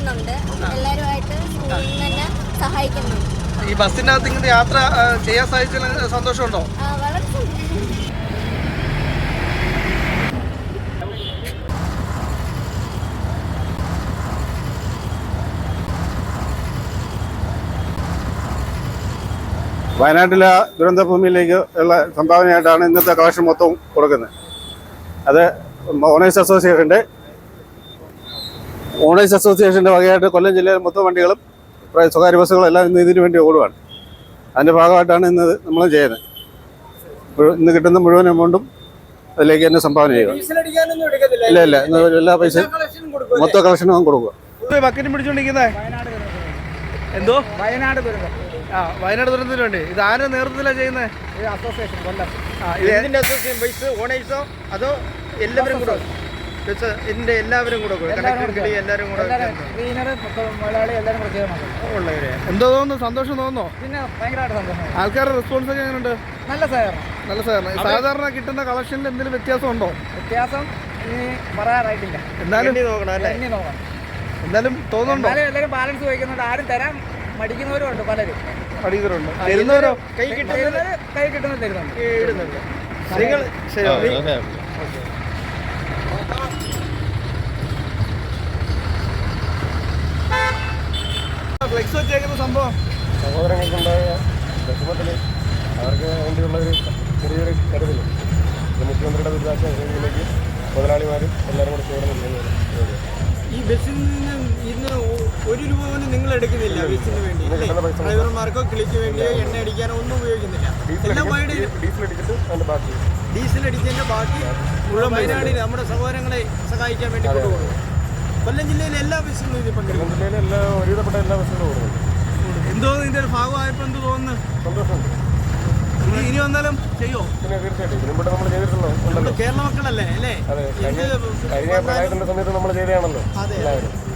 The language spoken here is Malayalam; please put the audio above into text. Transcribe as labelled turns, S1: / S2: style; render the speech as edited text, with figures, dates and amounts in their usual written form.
S1: ചെയ്യുന്നുണ്ട്. എല്ലാവരുമായിട്ട് സ്കൂളിൽ നിന്ന് തന്നെ സഹായിക്കുന്നുണ്ട്.
S2: ഈ ബസ്സിൻ്റെ അകത്ത് ഇങ്ങനെ യാത്ര ചെയ്യാൻ സാധിച്ചതിൽ സന്തോഷമുണ്ടോ?
S1: വളരെ സന്തോഷം.
S3: വയനാട്ടിലെ ദുരന്തഭൂമിയിലേക്ക് ഉള്ള സംഭാവനയായിട്ടാണ് ഇന്നത്തെ കളക്ഷൻ മൊത്തം കൊടുക്കുന്നത്. അത് ഓണേഴ്സ് അസോസിയേഷൻ്റെ വകയായിട്ട് കൊല്ലം ജില്ലയിലെ മൊത്തം വണ്ടികളും സ്വകാര്യ ബസ്സുകളും എല്ലാം ഇന്ന് ഇതിനു വേണ്ടി ഓടുകയാണ്. അതിൻ്റെ ഭാഗമായിട്ടാണ് ഇന്ന് നമ്മൾ ചെയ്യുന്നത്. ഇന്ന് കിട്ടുന്ന മുഴുവൻ എമൗണ്ടും അതിലേക്ക് തന്നെ സംഭാവന ചെയ്യുക. ഇല്ല എല്ലാ പൈസയും മൊത്തം കളക്ഷനും കൊടുക്കുക.
S2: ബക്കറ്റ് പിടിച്ചോണ്ടിരിക്കുന്നത് എന്തോ
S4: വയനാട് ദുരന്തം.
S2: വയനാട് ദുരന്തത്തിന് വേണ്ടി ഇത് ആരുടെ നേതൃത്വത്തിലാണ് ചെയ്യുന്നത്?
S4: അസോസിയേഷൻ കൊല്ലം.
S2: ഇതിന്റെ അസോസിയേഷൻ പൈസ ഓണേഴ്സോ അതോ എല്ലാവരും കൂടെ ഇതിന്റെ എല്ലാവരും കൂടെ എല്ലാവരും കൂടെ ഉള്ളവരെ എന്തോ തോന്നുന്നു? സന്തോഷം തോന്നുന്നോ?
S4: പിന്നെ ഭയങ്കരമായിട്ട് സന്തോഷം.
S2: ആൾക്കാരുടെ റെസ്പോൺസ് ഒക്കെ എങ്ങനെയുണ്ട്?
S4: നല്ല സഹകരണം.
S2: നല്ല സഹകരണം. സാധാരണ കിട്ടുന്ന കളക്ഷനിൽ എന്തെങ്കിലും വ്യത്യാസം ഉണ്ടോ?
S4: വ്യത്യാസം ഇനി പറയാറായിട്ടില്ല.
S2: എന്നാലും തോന്നുന്നുണ്ടോ?
S4: എല്ലാവരും ബാലൻസ് വയ്ക്കുന്നുണ്ട്. ആരും തരാൻ മടിക്കുന്നവരുണ്ട്. പലരും
S2: പഠിക്കുന്നവരുണ്ട്. തരുന്നവരോ?
S4: കൈ കിട്ടുന്നത് തരുന്നുണ്ട്.
S2: ഫ്ലെക്സ് വെച്ചേക്കുന്ന സംഭവം
S5: സഹോദരങ്ങൾക്കുണ്ടായ വിഷമത്തിൽ അവർക്ക് വേണ്ടിയുള്ള ഒരു ചെറിയൊരു കരുതൽ മുഖ്യമന്ത്രിയുടെ ദുരിതാശ്വാസ മുതലാളിമാരും എല്ലാവരും കൂടെ ചേർന്ന്.
S2: ഈ ബസ്സിൽ നിന്ന് ഇന്ന് ഒരു രൂപ പോലും നിങ്ങൾ എടുക്കുന്നില്ല. ബസ്സിന് വേണ്ടി ഡ്രൈവർമാർക്കോ കിളിക്ക് വേണ്ടിയോ എണ്ണ അടിക്കാനോ ഒന്നും ഉപയോഗിക്കുന്നില്ല. ഡീസൽ അടിച്ചതിന്റെ ബാക്കി മുഴുവൻ വയനാടിന് നമ്മുടെ സഹോദരങ്ങളെ സഹായിക്കാൻ വേണ്ടി കൊണ്ടുപോകുന്നു. കൊല്ലം ജില്ലയിലെ എല്ലാ ബസ്സിലും ഇത് പങ്കെടുക്കും.
S5: ഒരുവിധപ്പെട്ട എല്ലാ ബസ്സുകളും ഓടുന്നുണ്ട്.
S2: എന്തോ ഇതിന്റെ ഒരു ഭാഗമായപ്പോൾ എന്ത് തോന്നുന്നു?
S5: സന്തോഷമുണ്ട്.
S2: ഇനി വന്നാലും ചെയ്യോ?
S5: പിന്നെ തീർച്ചയായിട്ടും ഇതിനുമ്പോൾ നമ്മൾ ചെയ്തിട്ടുണ്ടല്ലോ.
S2: കേരള മക്കളല്ലേ അല്ലേ?
S5: അതെ, കഴിഞ്ഞ പ്രളയത്തിന്റെ സമയത്ത് നമ്മൾ ചെയ്തതാണല്ലോ എല്ലാവരും.